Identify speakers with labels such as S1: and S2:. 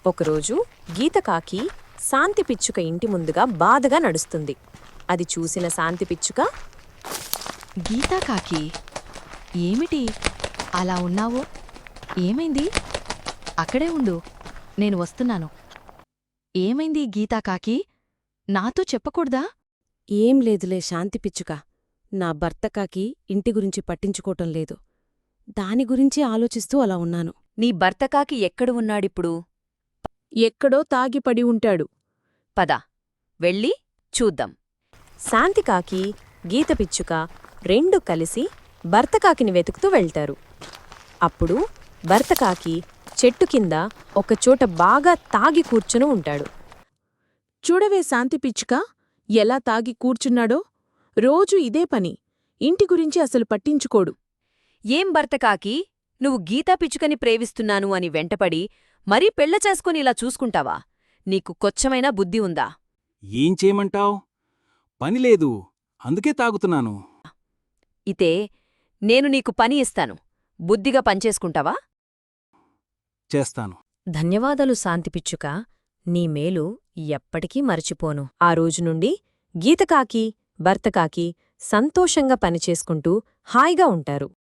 S1: ఒకరోజు గీతకాకి శాంతిపిచ్చుక ఇంటి ముందుగా బాధగా నడుస్తుంది. అది చూసిన శాంతిపిచ్చుక,
S2: గీతాకాకి, ఏమిటి అలా ఉన్నావు? ఏమైంది? అక్కడే ఉండు, నేను వస్తున్నాను. ఏమైంది గీతాకాకి? నాతో చెప్పకూడదా?
S3: ఏం లేదులే శాంతిపిచ్చుక, నా భర్తకాకి ఇంటి గురించి పట్టించుకోవటం లేదు. దాని గురించి ఆలోచిస్తూ అలా ఉన్నాను.
S4: నీ భర్తకాకి ఎక్కడు ఉన్నాడిప్పుడు?
S5: ఎక్కడో తాగిపడి ఉంటాడు.
S4: పద, వెళ్ళి చూద్దాం.
S1: శాంతికాకి, గీతపిచ్చుక రెండు కలిసి భర్తకాకిని వెతుకుతూ వెళ్తారు. అప్పుడు భర్తకాకి చెట్టు కింద ఒకచోట బాగా తాగి కూర్చుని ఉంటాడు.
S5: చూడవే శాంతిపిచ్చుక, ఎలా తాగి కూర్చున్నాడో. రోజూ ఇదే పని. ఇంటి గురించి అసలు పట్టించుకోడు.
S4: ఏం భర్తకాకి, నువ్వు గీతా పిచ్చుకని ప్రేమిస్తున్నాను అని వెంటపడి మరీ పెళ్ల చేసుకుని ఇలా చూసుకుంటావా? నీకు కొచ్చమైనా బుద్ధి ఉందా?
S6: ఏం చేయమంటావ్? పనిలేదు, అందుకే తాగుతున్నాను.
S4: ఇతే నేను నీకు పని ఇస్తాను, బుద్ధిగా పనిచేసుకుంటావా?
S6: చేస్తాను.
S1: ధన్యవాదాలు శాంతిపిచ్చుక, నీ మేలు ఎప్పటికీ మరచిపోను. ఆ రోజు నుండి గీతకాకి, భర్తకాకి సంతోషంగా పనిచేసుకుంటూ హాయిగా ఉంటారు.